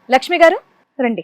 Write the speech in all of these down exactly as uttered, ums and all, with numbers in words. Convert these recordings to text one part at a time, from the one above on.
లక్ష్మి గారు రండి,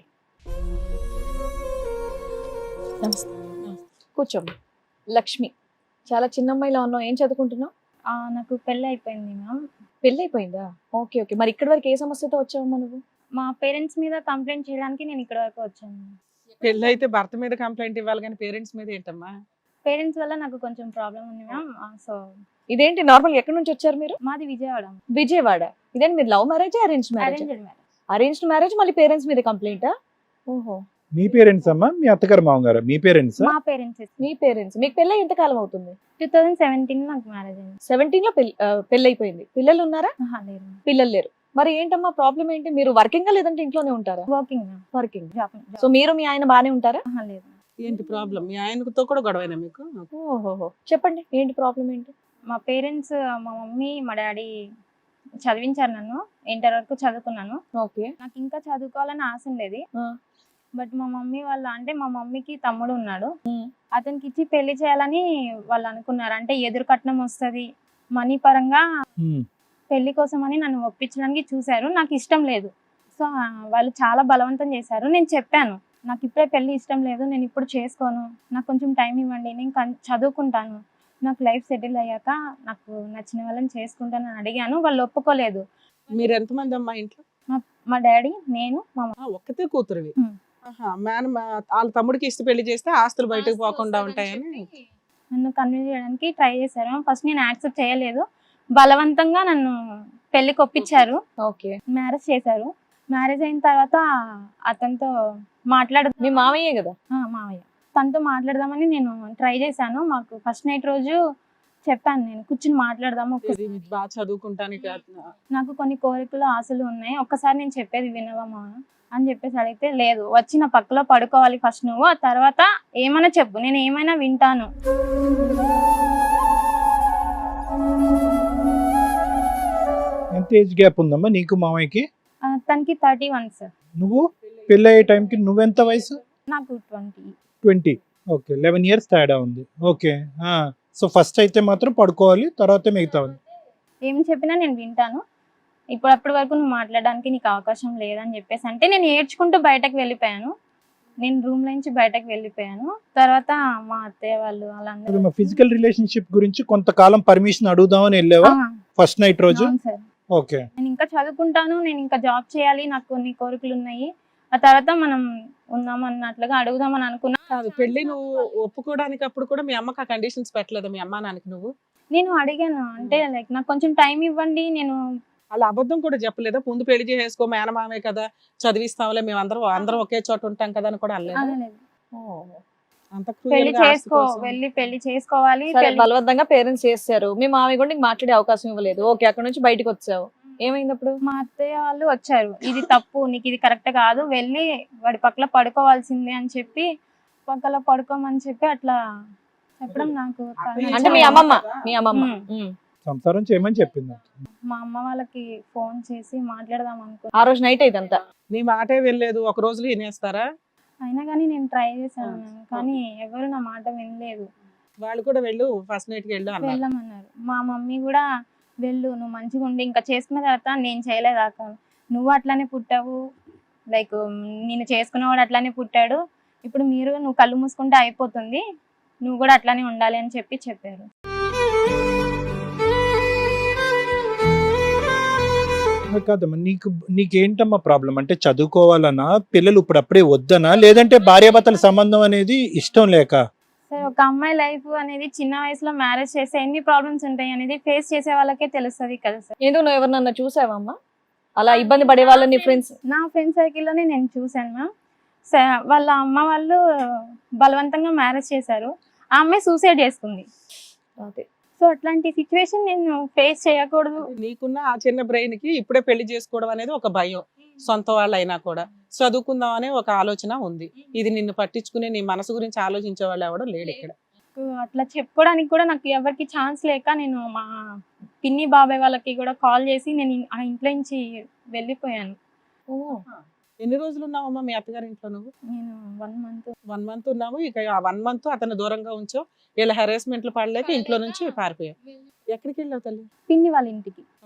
కూర్చోండి. లక్ష్మి, చాలా చిన్న అమ్మాయిలా ఉన్నావు, ఏం చదువుకుంటున్నావు? ఆ, నాకు పెళ్ళి అయిపోయింది మ్యామ్. పెళ్ళి అయిపోయిందా? Okay okay. మరి ఇక్కడి వరకు ఏ సమస్యతో వచ్చావమ్మా నువ్వు? మా పేరెంట్స్ మీద కంప్లైంట్ చేయడానికి నేను ఇక్కడ వరకు వచ్చాను. పెళ్ళి అయితే భర్త మీద కంప్లైంట్ ఇవ్వాలి కానీ పేరెంట్స్ మీద ఏంటమ్మా? పేరెంట్స్ వల్ల నాకు కొంచెం ప్రాబ్లం ఉంది మ్యామ్. సో ఇదేంటి నార్మల్, ఎక్కడి నుంచి వచ్చారు మీరు? మాది విజయవాడ. విజయవాడ. ఇదేంటి మీరు love marriage arrange marriage? Arranged marriage. Arranged marriage, మళ్ళీ పేరెంట్స్ మీద కంప్లైంటా? ఓహో, మీ పేరెంట్స్ అమ్మా, మీ అత్తగారు మామగారు, మీ పేరెంట్స్? మా పేరెంట్స్. మీ పేరెంట్స్. మీకు పెళ్ళి ఎంత కాలం అవుతుంది? టూ థౌజండ్ సెవెంటీన్ నాకు మ్యారేజ్ అయింది. సెవెంటీన్ లో పెళ్లి పెళ్ళి అయిపోయింది. పిల్లలు ఉన్నారా? ఆహా, లేదు. పిల్లలు లేరు. మరి ఏంటమ్మా ప్రాబ్లం ఏంటి? మీరు వర్కింగ్ లేదంటే ఇంట్లోనే ఉంటారా? Working ma'am. Working. Job. So మీరు మీ ఆయన బానే ఉంటారా? ఆహా, లేదు. ఏంటి ప్రాబ్లం? మీ ఆయనతో కూడా గొడవైనా మీకు? ఓహోహో, చెప్పండి ఏంటి ప్రాబ్లం ఏంటి? మా పేరెంట్స్, మా మమ్మీ మా డాడీ చదివించారు నన్ను. ఇంటర్ వరకు చదువుకున్నాను. ఓకే. నాకు ఇంకా చదువుకోవాలని ఆశ ఉండేది. ఆ. బట్ మా మమ్మీ వాళ్ళ, అంటే మా మమ్మీకి తమ్ముడు ఉన్నాడు, ఉమ్. అతనికి ఇచ్చి పెళ్లి చేయాలని వాళ్ళు అనుకున్నారు. అంటే ఎదురు కట్నం వస్తుంది, మనీ పరంగా ఉమ్. పెళ్లి కోసం అని నన్ను ఒప్పించడానికి చూశారు. నాకు ఇష్టం లేదు. సో ఆ, వాళ్ళు చాలా బలవంతం చేశారు. నేను చెప్పాను, నాకు ఇప్పుడే పెళ్లి ఇష్టం లేదు, నేను ఇప్పుడు చేసుకోను, నాకు కొంచెం టైం ఇవ్వండి, నేను కన్- చదువుకుంటాను, నాకు లైఫ్ సెటిల్ అయ్యాక నాకు నచ్చిన వాళ్ళని చేసుకుంటాను అని అడిగాను. వాళ్ళు ఒప్పుకోలేదు. మీరు ఎంతమంది అమ్మా ఇంట్లో? మా డాడీ, నేను, మా మమ్మీ. ఆ, ఒక్కతే కూతురువి? ఉమ్. ఆహా, మేన వాళ్ళ తమ్ముడికి ఇష్ట పెళ్లి చేస్తే ఆస్తులు బయటకు పోకుండా ఉంటాయని నన్ను కన్విన్స్ చేయడానికి ట్రై చేశారు. ఫస్ట్ నేను యాక్సెప్ట్ చేయలేదు. బలవంతంగా నన్ను పెళ్లికి ఒప్పించారు. ఓకే. మ్యారేజ్ చేశారు. మ్యారేజ్ అయిన తర్వాత అతనితో మాట్లాడ మీ మామయ్యే కదా? ఆ, మావయ్య తనతో మాట్లాడదామని నేను ట్రై చేశాను. మాకు ఫస్ట్ నైట్ రోజు చెప్పాను, నేను కూర్చుని మాట్లాడదాము, ఒక్క- ఇది బాగా చదువుకుంటానికి నాకు కొన్ని కోరికలు ఆశలు ఉన్నాయి, ఒక్కసారి నేను చెప్పేది వినవమ్మా అని చెప్పేసి అడిగితే, లేదు, వచ్చి నా పక్కలో పడుకోవాలి ఫస్ట్ నువ్వు, ఆ తర్వాత ఏమైనా చెప్పు, నేను ఏమైనా వింటాను. ఎంత ఏజ్ గ్యాప్ ఉందమ్మా నీకు మామయ్యకి? ఆ, తనకి థర్టీ వన్ సార్, నువ్వు పెళ్ళి అయ్యే టైంకి నువ్వెంత వయసు? నాకు twenty. Twenty. Okay, eleven years తేడా ఉంది. ఓకే. సో ఫస్ట్ అయితే మాత్రం పడుకోవాలి, తర్వాత మిగతా ఏం చెప్పినా నేను వింటాను, ఇప్పుడు అప్పటి వరకు నువ్వు మాట్లాడడానికి నీకు అవకాశం లేదని చెప్పేసి అంటే నేను ఏడ్చుకుంటూ బయటకు వెళ్ళిపోయాను. నేను రూమ్ నుంచి బయటకు వెళ్ళిపోయాను. తర్వాత మా అత్తయ్య వాళ్ళు వాళ్ళందరూ, మా ఫిజికల్ రిలేషన్షిప్ గురించి కొంతకాలం పర్మిషన్ అడుగుదామని వెళ్ళావా ఆ, ఫస్ట్ నైట్ రోజు? అవును సార్, ఓకే. నేను ఇంకా చదువుకుంటాను, నేను ఇంకా జాబ్ చేయాలి, నాకు కొన్ని కోరికలు ఉన్నాయి, ఆ తర్వాత మనం ఉందాం అన్నట్లుగా అడుగుదామని అనుకున్నా. కాదు, పెళ్లి నువ్వు ఒప్పుకోవడానికి అప్పుడు కూడా మీ అమ్మకి ఆ కండిషన్స్ పెట్టలేదు మీ అమ్మా నాన్నకి నువ్వు? నేను అడిగాను, అంటే లైక్ నాకు కొంచెం టైం ఇవ్వండి, నేను అలా అబద్ధం కూడా చెప్పలేదా? ముందు పెళ్లి చేసేసుకో, మేనమామే కదా, చదివిస్తాంలే, మేము అందరం అందరం ఒకే చోట ఉంటాం కదా అని కూడా అనలేదు? అనలేదు. అంత పెళ్లి cruel గా ఆస్తి చేసుకో, కోసం. వెళ్ళి పెళ్లి చేసుకోవాలి. సరే, పెళ్లి- బలవంతంగా పేరెంట్స్ చేస్తారు. మీ మామయ్య కూడా నీకు మాట్లాడే అవకాశం ఇవ్వలేదు. ఓకే, అక్కడ నుంచి బయటకు వచ్చావు, ఏమైంది అప్పుడు? మా అత్తయ్య వాళ్ళు వచ్చారు, ఇది తప్పు, నీకు ఇది కరెక్ట్ కాదు, వెళ్ళి వాడి పక్కల పడుకోవాల్సిందే అని చెప్పి పక్కల పడుకోమని చెప్పి అట్లా చెప్పడం నాకు అత్తయ్య అంటే మీ అమ్మమ్మ మీ అమ్మమ్మ ఉమ్. ఉమ్. సంసారం చేయమని చెప్పింది. మా అమ్మ వాళ్ళకి ఫోన్ చేసి మాట్లాడదాం అనుకున్నా. ఆ రోజు నైట్ ఇదంతా. నీ మాటే వెళ్ళలేదు, ఒక రోజులో వినేస్తారా? అయినా కానీ నేను ట్రై చేశాను ఆ. మ్యామ్. కానీ ఎవరు నా మాట వినలేదు. వాళ్ళు కూడా వెళ్ళు, ఫస్ట్ నైట్ కి వెళ్ళు అన్నారు. వెళ్ళమన్నారు. మా మమ్మీ కూడా వెళ్ళు, నువ్వు మంచిగా ఉండి ఇంకా చేసుకున్న తర్వాత నేను చేయలేదాక నువ్వు అట్లానే పుట్టావు, లైక్ నేను చేసుకున్నవాడు అట్లానే పుట్టాడు, ఇప్పుడు మీరు నువ్వు కళ్ళు మూసుకుంటే అయిపోతుంది, నువ్వు కూడా అట్లానే ఉండాలి అని చెప్పి చెప్పారు. కాదమ్మా, నీకు నీకేంటమ్మా ప్రాబ్లం? అంటే చదువుకోవాలనా, పిల్లలు ఇప్పుడు అప్పుడే వద్దనా, లేదంటే భార్యాభర్తల సంబంధం అనేది ఇష్టం లేక? సరే, ఒక అమ్మాయి లైఫ్ అనేది చిన్న వయసులో మ్యారేజ్ చేస్తే ఎన్ని ప్రాబ్లమ్స్ ఉంటాయి అనేది ఫేస్ చేసే వాళ్ళకే తెలుస్తుంది కదా సార్. ఎందుకు నువ్వు ఎవరినన్నా చూసావమ్మా అలా ఇబ్బంది పడే వాళ్ళని ఫ్రెండ్స్? నా ఫ్రెండ్ సర్కిల్లోనే నేను చూశాను మ్యామ్. స- వాళ్ళ అమ్మ వాళ్ళు బలవంతంగా మ్యారేజ్ చేశారు, ఆ అమ్మాయి సూసైడ్ చేసుకుంది. అదే. సో అట్లాంటి సిచ్యువేషన్ నేను ఫేస్ చేయకూడదు. నీకున్న ఆ చిన్న బ్రెయిన్ కి ఇప్పుడే పెళ్లి చేసుకోవడం అనేది ఒక భయం, సొంత వాళ్ళు అయినా కూడా చదువుకుందాం అనే ఒక ఆలోచన ఉంది. ఇది నిన్ను పట్టించుకునే నీ మనసు గురించి ఆలోచించే వాళ్ళు ఎవడో లేడు ఇక్కడ. నాకు అట్లా చెప్పుకోవడానికి కూడా నాకు ఎవరికి ఛాన్స్ లేక నేను మా పిన్ని బాబాయ్ వాళ్ళకి కూడా కాల్ చేసి నేను ఆ ఇంట్లో నుంచి వెళ్ళిపోయాను. ఓ. ఎన్ని రోజులు ఉన్నావమ్మా మీ అత్తగారి ఇంట్లో నువ్వు? నేను వన్ మంత్ వన్ మంత్ ఉన్నావు. ఇక ఆ వన్ మంత్ అతను దూరంగా ఉంచావు, వీళ్ళ హెరాస్మెంట్లు పడలేక ఇంట్లో నుంచి పారిపోయావు. ఎక్కడికి వెళ్ళావు తల్లి? పిన్ని వాళ్ళ ఇంటికి.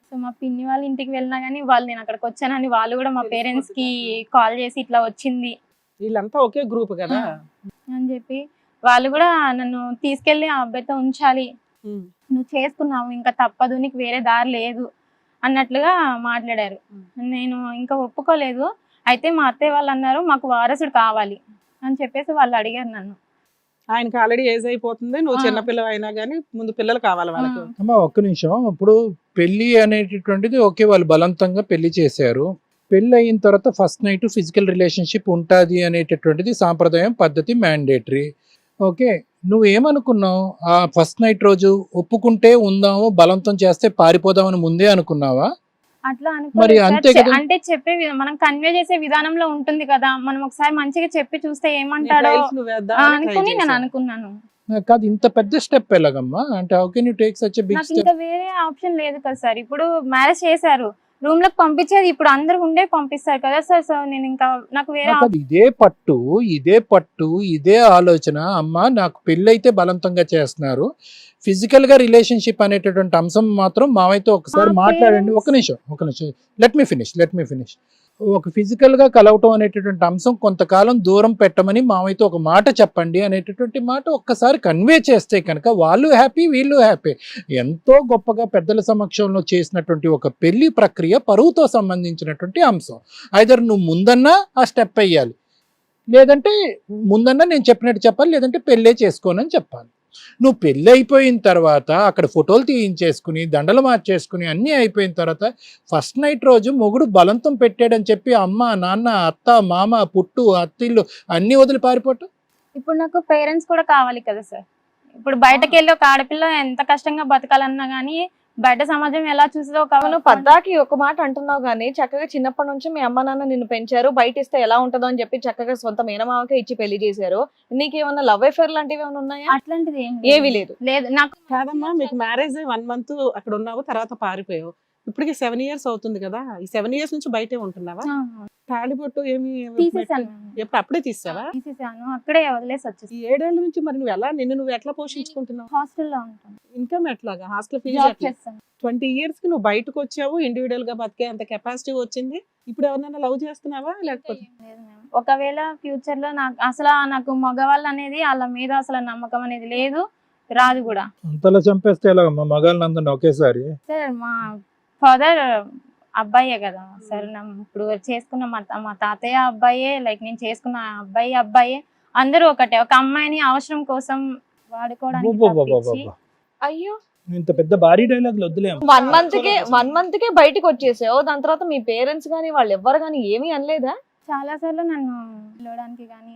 సో మా పిన్ని వాళ్ళ ఇంటికి వెళ్ళినా కానీ వాళ్ళు నేను అక్కడికి వచ్చానని వాళ్ళు కూడా మా పేరెంట్స్ కి కాల్ చేసి ఇట్లా వచ్చింది వీళ్ళంతా ఒకే గ్రూప్ కదా. అని చెప్పి వాళ్ళు కూడా నన్ను తీసుకెళ్లి ఆ అబ్బాయితో ఉంచాలి, ఉమ్. నువ్వు చేసుకున్నావు ఇంకా తప్పదు, నీకు వేరే దారి లేదు అన్నట్లుగా మాట్లాడారు. నేను ఇంకా ఒప్పుకోలేదు. అయితే మా అత్తయ్య వాళ్ళు అన్నారు మాకు వారసుడు కావాలి అని చెప్పేసి వాళ్ళు అడిగారు నన్ను. ఆయనకి ఆల్రెడీ ఏజ్ అయిపోతుంది, నువ్వు ఆ. చిన్నపిల్ల అయినా కానీ ముందు పిల్లలు కావాలి వాళ్ళకి. ఆ. అమ్మా ఒక్క నిమిషం. ఇప్పుడు పెళ్లి అనేటటువంటిది ఓకే, వాళ్ళు బలవంతంగా పెళ్లి చేశారు. పెళ్లి అయిన తర్వాత ఫస్ట్ నైట్ ఫిజికల్ రిలేషన్షిప్ ఉంటుంది అనేటటువంటిది సాంప్రదాయం, పద్ధతి, మ్యాండేటరీ. ఓకే, నువ్వేమనుకున్నావు? ఆ ఫస్ట్ నైట్ రోజు ఒప్పుకుంటే ఉందాము, బలవంతం చేస్తే పారిపోదామని ముందే అనుకున్నావా? అట్లా మరి అనుకోలేదు అంతే సార్. కదా. అంటే చెప్పే వి- మనం కన్వే చేసే విధానంలో ఉంటుంది కదా, మనం ఒకసారి మంచిగా చెప్పి చూస్తే నీ ఏమంటాడో trials నువ్వు ఆ, వేద్దామని try అనుకుని నేను చేశావు. అనుకున్నాను. కాదు, ఇంత పెద్ద స్టెప్ ఎలాగమ్మా? అంటే how can you take such a big నాకు స్టెప్? ఇంకా వేరే ఆప్షన్ లేదు కదా సార్. ఇప్పుడు మ్యారేజ్ చేశారు, రూమ్ లకు పంపించేది ఇప్పుడు అందరు ఉండే పంపిస్తారు కదా సార్. సో నేను ఇంకా నాకు వేరే కాదు, ఇదే పట్టు ఇదే పట్టు ఇదే ఆలోచన. అమ్మ నాకు పెళ్ళైతే బలవంతంగా చేస్తున్నారు, ఫిజికల్ గా రిలేషన్షిప్ అనేటటువంటి అంశం మాత్రం మావైతే ఒకసారి మా మాట్లాడండి. parents- ఒక నిమిషం ఒక నిమిషం let me finish let me finish ఒక ఫిజికల్ గా కలవటం అనేటటువంటి అంశం కొంతకాలం దూరం పెట్టమని మావైతే ఒక మాట చెప్పండి అనేటటువంటి మాట ఒక్కసారి కన్వే చేస్తే కనుక వాళ్ళు హ్యాపీ, వీళ్ళు హ్యాపీ. ఎంతో గొప్పగా పెద్దల సమక్షంలో చేసినటువంటి ఒక పెళ్లి ప్రక్రియ పరువుతో సంబంధించినటువంటి అంశం. ఐదర్ నువ్వు ముందన్నా ఆ స్టెప్ వేయాలి, లేదంటే ముందన్నా నేను చెప్పినట్టు చెప్పాలి, లేదంటే పెళ్ళే చేసుకోనని చెప్పాలి. నువ్వు పెళ్ళి అయిపోయిన తర్వాత అక్కడ ఫోటోలు తీయించేసుకుని దండలు మార్చేసుకుని అన్నీ అయిపోయిన తర్వాత ఫస్ట్ నైట్ రోజు మొగుడు బలవంతం పెట్టాడని చెప్పి అమ్మ, నాన్న, అత్త, మామ, పుట్టు, అత్తిళ్ళు అన్నీ వదిలి పారిపోవటం. ఇప్పుడు నాకు పేరెంట్స్ కూడా కావాలి కదా సార్. ఇప్పుడు బయటకు వెళ్ళి ఒక ఆడపిల్ల ఎంత కష్టంగా బతకాలన్నా గానీ బయట సమాజం ఎలా చూస్తుందో ఒక నువ్వు పద్దాకి ఒక మాట అంటున్నావు కానీ చక్కగా చిన్నప్పటి నుంచి మీ అమ్మ నాన్న నిన్ను పెంచారు, బయట ఇస్తే ఎలా ఉంటుందో అని చెప్పి చక్కగా సొంత మేనమామకే ఇచ్చి పెళ్లి చేశారు. నీకేమన్నా లవ్ అఫేర్ లాంటివి ఏమైనా ఉన్నాయా? అట్లాంటిది ఏం ఏమీ లేదు. లేదు నాకు. కాదమ్మా, మీకు మ్యారేజ్ వన్ మంత్ అక్కడ ఉన్నావు, తర్వాత పారిపోయావు. ఇప్పటికి సెవెన్ ఇయర్స్ అవుతుంది కదా, ఈ సెవెన్ ఇయర్స్ నుంచి బయటే ఉంటున్నావా? ఆ, తాళిబొట్టు ఏమి తీసేసాను ఎప్పుడు అప్పుడే తీసావా? తీసేసాను అక్కడే వదిలేసి ఈ వచ్చేసి ఏడేళ్ల నుంచి మరి నువ్వు ఎలా, నిన్ను నువ్వు ఎట్లా పోషించుకుంటున్నావు? హాస్టల్లో ఉంటాను, ఇన్కమ్ ఎట్లాగా? హాస్టల్ ఫీజు జాబ్ ఎట్లా? చేస్తాను. ట్వంటీ ఇయర్స్ కి నువ్వు బయటకు వచ్చావు, ఇండివిడువల్ గా బతికే అంత కెపాసిటీ వచ్చింది. ఇప్పుడు ఎవరినైనా లవ్ చేస్తున్నావా లేకపోతే? లేదు ma'am. ఒకవేళ ఫ్యూచర్ లో నాకు అసలు నాకు మగవాళ్ళు అనేది వాళ్ళ మీద అసలు నమ్మకం అనేది లేదు, రాదు కూడా అంతలా చంపేస్తే ఎలాగమ్మా మగాళ్ళని అందరిని ఒకేసారి? సార్. మా ఫాదర్ అబ్బాయే కదా సార్. నా ఇప్పుడు చేసుకున్న మా తా- మా తాతయ్య అబ్బాయే, లైక్ నేను చేసుకున్న అబ్బాయి అబ్బాయే, అందరూ ఒకటే. ఒక అమ్మాయిని అవసరం కోసం వాడుకోవడానికి తప్పించి అబ్బబ్బబ్బబ్బబ్బ. అయ్యో, ఇంత పెద్ద భారీ డైలాగులు వద్దులేము. వన్ మంత్ కే వన్ మంత్ కే బయటకు వచ్చేసావు. దాని తర్వాత మీ పేరెంట్స్ గానీ వాళ్ళు ఎవ్వరు గానీ ఏమీ అనలేదా? చాలా సార్లు నన్ను పిలవడానికి కానీ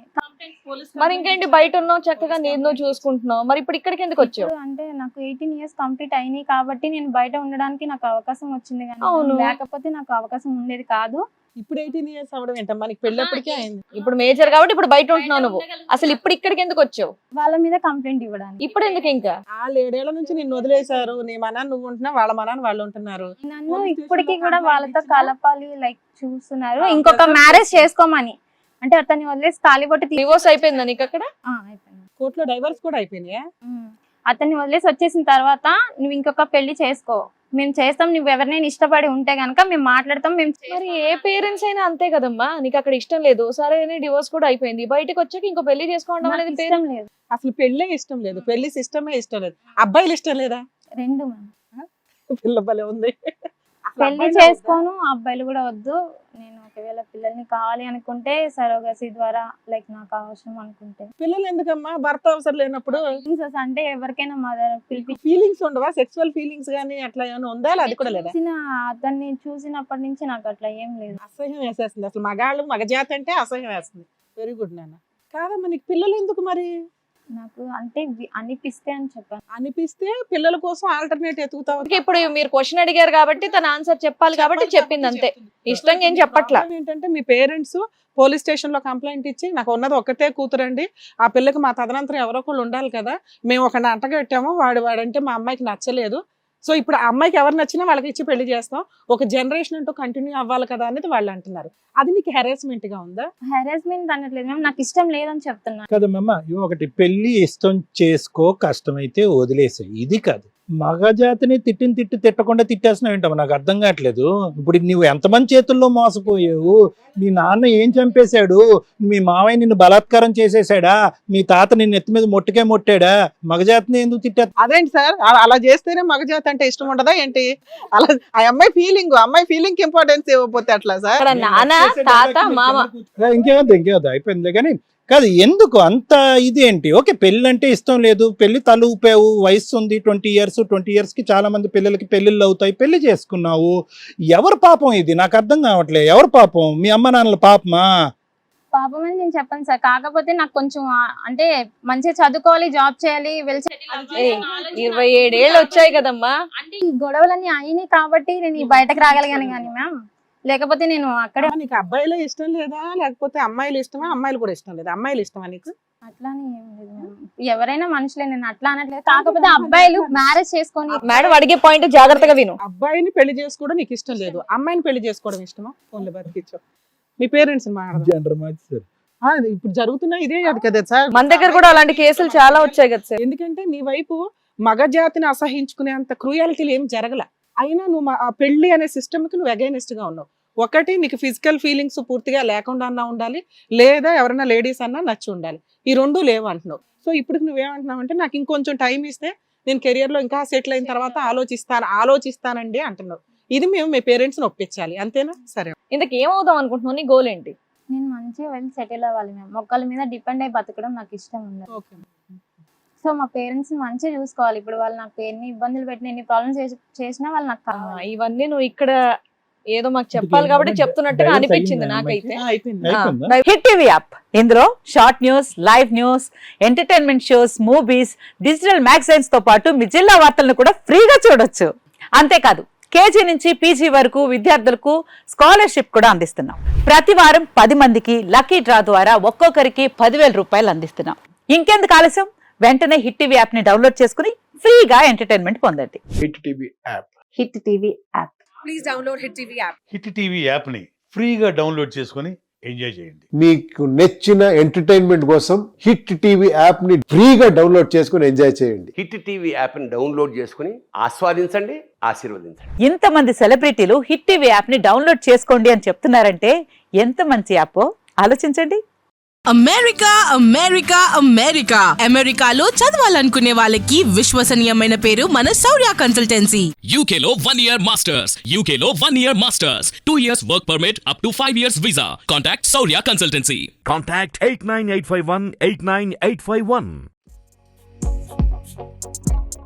మరి ఇంకేంటి, బయట ఉన్నావు చక్కగా, నేను నువ్వు చూసుకుంటున్నావు, మరి ఇప్పుడు ఇక్కడికి ఎందుకు వచ్చావు? ఇప్పుడు అంటే నాకు ఎయిటీన్ ఇయర్స్ కంప్లీట్ అయినాయి కాబట్టి నేను బయట ఉండడానికి నాకు అవకాశం వచ్చింది, కానీ అవును. లేకపోతే నాకు అవకాశం ఉండేది కాదు. ఇప్పుడు ఎయిటీన్ ఇయర్స్ అవడం ఏంటమ్మా, నీకు పెళ్ళప్పటికే అయింది. ఇప్పుడు మేజర్ కాబట్టి ఇప్పుడు బయట ఉంటున్నావు నువ్వు. అసలు ఇప్పుడు ఇక్కడికి ఎందుకు వచ్చావు? వాళ్ళ మీద కంప్లైంట్ ఇవ్వడానికి. ఇప్పుడు ఎందుకు ఇంకా? వాళ్ళు ఏడేళ్ల నుంచి నిన్ను వదిలేశారు, నీ మనాన్ని నువ్వు ఉంటున్నావు, వాళ్ళ మనాన్ని వాళ్ళు ఉంటున్నారు. నన్ను పోలీస్ ఇప్పటికీ స్టేషన్లో కూడా కంప్లైంట్ వాళ్ళతో ఇచ్చినా? కలపాలి లైక్ చూస్తున్నారు, ఆ, ఇంకొక ప్రజెంట్ మ్యారేజ్ చేస్తున్నారు. చేసుకోమని. అంటే అతన్ని వదిలేసి తాలిబొట్టు తీ- డివోర్స్ అయిపోయిందా నీకు అక్కడ? ఆ, అయిపోయింది. కోర్టులో డైవర్స్ కూడా అయిపోయినాయా? ఉమ్. అతన్ని వదిలేసి వచ్చేసిన తర్వాత నువ్వు ఇంకొక పెళ్లి చేసుకో, మేము చేస్తాం, నువ్వు ఎవరినైనా ఇష్టపడి ఉంటే గనక మేము మాట్లాడతాం, మేము మరి ఏ పేరెంట్స్ అయినా అంతే కదమ్మా. నీకు అక్కడ ఇష్టం లేదు, సరే డివోర్స్ కూడా అయిపోయింది, బయటకు వచ్చాక ఇంకో పెళ్లి చేసుకోవడం నాకు అనేది ఇష్టం లేదు. అసలు పెళ్ళే ఇష్టం లేదు, పెళ్లి సిస్టమే ఇష్టం లేదు. అబ్బాయిలు ఇష్టం లేదా? రెండు మ్యామ్. పిల్ల భలే ఉంది. అసలు పెళ్లి అబ్బాయిలే వద్దా? చేసుకోను, అబ్బాయిలు కూడా వద్దు. నేను ఒకవేళ పిల్లల్ని కావాలి అనుకుంటే సరోగసి ద్వారా, లైక్ నాకు అవసరం అనుకుంటే. పిల్లలు ఎందుకమ్మా, భర్త అవసరం లేనప్పుడు? Feelings అంటే ఎవరికైనా మదర్ పిలిపి ఫీలింగ్స్ ఉండవా? సెక్సువల్ ఫీలింగ్స్ గానీ అట్లా ఏమైనా ఉందా? అది కూడా లేదా? చూసిన అతన్ని చూసినప్పటి నుంచి నాకు అట్లా ఏం లేదు. అసహ్యం వేసేస్తుంది అసలు. మగాళ్ళు మగజాతి అంటే అసహ్యం వేస్తుంది. వెరీ గుడ్ నాన్న. కాదమ్మా, నీకు పిల్లలు ఎందుకు మరి? నాకు అంటే వి- అనిపిస్తే అని చెప్పాను. అనిపిస్తే పిల్లల కోసం ఆల్టర్నేట్ ఎతుకుతావు. అందుకే ఇప్పుడు మీరు క్వశ్చన్ అడిగారు కాబట్టి తన ఆన్సర్ చెప్పాలి కాబట్టి చెప్పింది అంతే. ఇష్టంగా ఏం చెప్పట్లా. ప్రాబ్లం ఏంటంటే మీ పేరెంట్స్ పోలీస్ స్టేషన్ లో కంప్లైంట్ ఇచ్చి, నాకు ఉన్నది ఒక్కతే కూతురండి, ఆ పిల్లకి మా తదనంతరం ఎవరో ఒకళ్ళు ఉండాలి కదా, మేము ఒక అంటగట్టాము, వాడు వాడంటే మా అమ్మాయికి నచ్చలేదు, సో ఇప్పుడు ఆ అమ్మాయికి ఎవరు నచ్చినా వాళ్ళకి ఇచ్చి పెళ్లి చేస్తాం, ఒక జనరేషన్ అంటూ కంటిన్యూ అవ్వాలి కదా అనేది వాళ్ళు అంటున్నారు. అది నీకు హెరాస్మెంట్ గా ఉందా? హెరాస్మెంట్ అనట్లేదు మేము, నాకు ఇష్టం లేదని చెప్తున్నాను. కదమ్మా, ఇవి ఒకటి పెళ్లి ఇష్టం చేసుకో, కష్టమైతే వదిలేసాయి, ఇది కాదు. మగజాతిని తిట్టిన తిట్టి తిట్టకుండా తిట్టేస్తున్నావు ఏంటమ్మా, నాకు అర్థం కావట్లేదు. ఇప్పుడు నువ్వు ఎంతమంది చేతుల్లో మోసపోయావు? మీ నాన్న ఏం చంపేశాడు? మీ మావయ్య నిన్ను బలాత్కారం చేసేసాడా? మీ తాత నిన్ను ఎత్తి మీద మొట్టకే మొట్టాడా? మగజాతిని ఎందుకు తిట్టా? అదేంటి సార్ అలా- అలా చేస్తేనే మగజాతి అంటే ఇష్టం ఉండదా ఏంటి? అలా ఆ అమ్మాయి ఫీలింగ్ అమ్మాయి ఫీలింగ్ ఇంపార్టెన్స్ ఇవ్వకపోతే అట్లా సార్? ఇక్కడ నాన్న తాత మామ ఇంకేమద్దు ఇంకేమద్దు అయిపోయిందిలే. కానీ కాదు, ఎందుకు అంత ఇదేంటి? ఓకే, పెళ్ళి అంటే ఇష్టం లేదు, పెళ్లి తల ఊపావు, వయసు ఉంది, ట్వంటీ ఇయర్స్ ట్వంటీ ఇయర్స్ కి చాలా మంది పిల్లలకి పెళ్ళిళ్ళు అవుతాయి, పెళ్లి చేసుకున్నావు. ఎవరు పాపం ఇది? నాకు అర్థం కావట్లేదు. ఎవరు పాపం? మీ అమ్మ నాన్నల పాపమా? పాపం అని నేను చెప్పాను సార్, కాకపోతే నాకు కొంచెం ఆ, అంటే మంచిగా చదువుకోవాలి, జాబ్ చేయాలి, వెల్ సెటిల్ అవ్వాలి ఏ, అనే ఆలోచన. ఇరవై ఏడేళ్ళు వచ్చాయి కదమ్మా. అంటే ఈ గొడవలన్నీ అయినాయి కాబట్టి నేను ఈ బయటకు రాగలిగాను కానీ మ్యామ్, లేకపోతే నేను అక్కడే నీకు అబ్బాయిలే ఇష్టం లేదా లేకపోతే అమ్మాయిలు ఇష్టమా? అమ్మాయిలు కూడా ఇష్టం లేదా? అమ్మాయిలు ఇష్టమా నీకు? అట్లానే ఏం లేదు మ్యామ్. ఎవరైనా మనుషులే, నేను అట్లా అనట్లేదు. కాకపోతే అబ్బాయిలు మ్యారేజ్ చేసుకొని మేడం అడిగే పాయింట్ జాగ్రత్తగా విను. అబ్బాయిని పెళ్లి చేసుకోవడం నీకు ఇష్టం లేదు, అమ్మాయిని పెళ్లి చేసుకోవడం ఇష్టమా? ఓన్లీ బతికిచ్చు మీ పేరెంట్స్ మాట్లాడదాం. జనరల్ మార్చి సార్. ఆ, ఇప్పుడు జరుగుతున్న ఇదే అది కదా సార్. మన దగ్గర కూడా అలాంటి కేసులు చాలా వచ్చాయి కదా సార్. ఎందుకంటే నీ వైపు మగజాతిని అసహించుకునే అంత క్రూయాలిటీలు ఏం జరగల, అయినా నువ్వు మా- ఆ పెళ్లి అనే సిస్టమ్ కి నువ్వు అగైనెస్ట్ గా ఉన్నావు. ఒకటి నీకు ఫిజికల్ ఫీలింగ్స్ పూర్తిగా లేకుండా అన్నా ఉండాలి, లేదా ఎవరైనా లేడీస్ అన్నా నచ్చి ఉండాలి. ఈ రెండు లేవు అంటున్నావు. సో ఇప్పుడు నువ్వేమంటున్నావు అంటే నాకు ఇంకొంచెం టైం ఇస్తే నేను కెరియర్ లో ఇంకా సెటిల్ అయిన తర్వాత ఆలోచిస్తాను ఆలోచిస్తానండి అంటున్నావు. ఇది మేము మీ పేరెంట్స్ ని ఒప్పించాలి, అంతేనా? సరే, ఇంతకు ఏమవుదాం అనుకుంటున్నావు? నీ గోల్ ఏంటి? నేను మంచిగా వెళ్ళి సెటిల్ అవ్వాలి మ్యామ్. ఒకళ్ళ మీద డిపెండ్ అయి బతకడం నాకు ఇష్టం ఉంది. ఓకే. సో మా పేరెంట్స్ ని మంచిగా చూసుకోవాలి. ఇప్పుడు వాళ్ళు నాకు ఎన్ని ఇబ్బందులు పెట్టిన, ఎన్ని ప్రాబ్లమ్స్ చేసినా వాళ్ళు నాకు ఆ, కావాలి. ఇవన్నీ నువ్వు ఇక్కడ ఏదో మాకు చెప్పాలి కాబట్టి చెప్తున్నట్టుగా అనిపించింది నాకైతే. ఆ, అయిపోయింది. అయిపోయిందా? హిట్ టీవీ యాప్ ఇందులో short news, live news, entertainment shows, movies, digital magazines తో పాటు మీ జిల్లా వార్తలను కూడా ఫ్రీగా చూడొచ్చు. అంతేకాదు, కేజీ నుంచి పీజీ వరకు విద్యార్థులకు స్కాలర్షిప్ కూడా అందిస్తున్నాం. ప్రతి వారం పది మందికి లక్కీ డ్రా ద్వారా ఒక్కొక్కరికి పదివేల రూపాయలు అందిస్తున్నాం. ఇంకెందుకు ఆలస్యం? వెంటనే హిట్ టీవీ యాప్ ని డౌన్లోడ్ చేసుకుని ఫ్రీగా ఎంటర్టైన్మెంట్ పొందండి. Hit TV app Hit TV app. Hit TV యాప్ని ఫ్రీగా డౌన్లోడ్ చేసుకొని ఎంజాయ్ చేయండి. మీకు నచ్చిన ఎంటర్టైన్మెంట్ కోసం హిట్ టీవీ యాప్ ని ఫ్రీగా డౌన్లోడ్ చేసుకుని ఎంజాయ్ చేయండి. హిట్ టీవీ యాప్ని డౌన్లోడ్ చేసుకుని ఆస్వాదించండి, ఆశీర్వదించండి. ఇంతమంది సెలబ్రిటీలు హిట్ టీవీ యాప్ ని డౌన్లోడ్ చేసుకోండి అని చెప్తున్నారంటే ఎంత మంచి యాప్ ఆలోచించండి. అమెరికా అమెరికా అమెరికా అమెరికాలో చదవాలనుకునే వాళ్ళకి విశ్వసనీయమైన పేరు మన శౌర్య కన్సల్టెన్సీ. U K లో one year masters, U K లో one year masters, two years work permit up to five years visa. Contact Saurya Consultancy. Contact eight nine eight five one eight nine eight five one.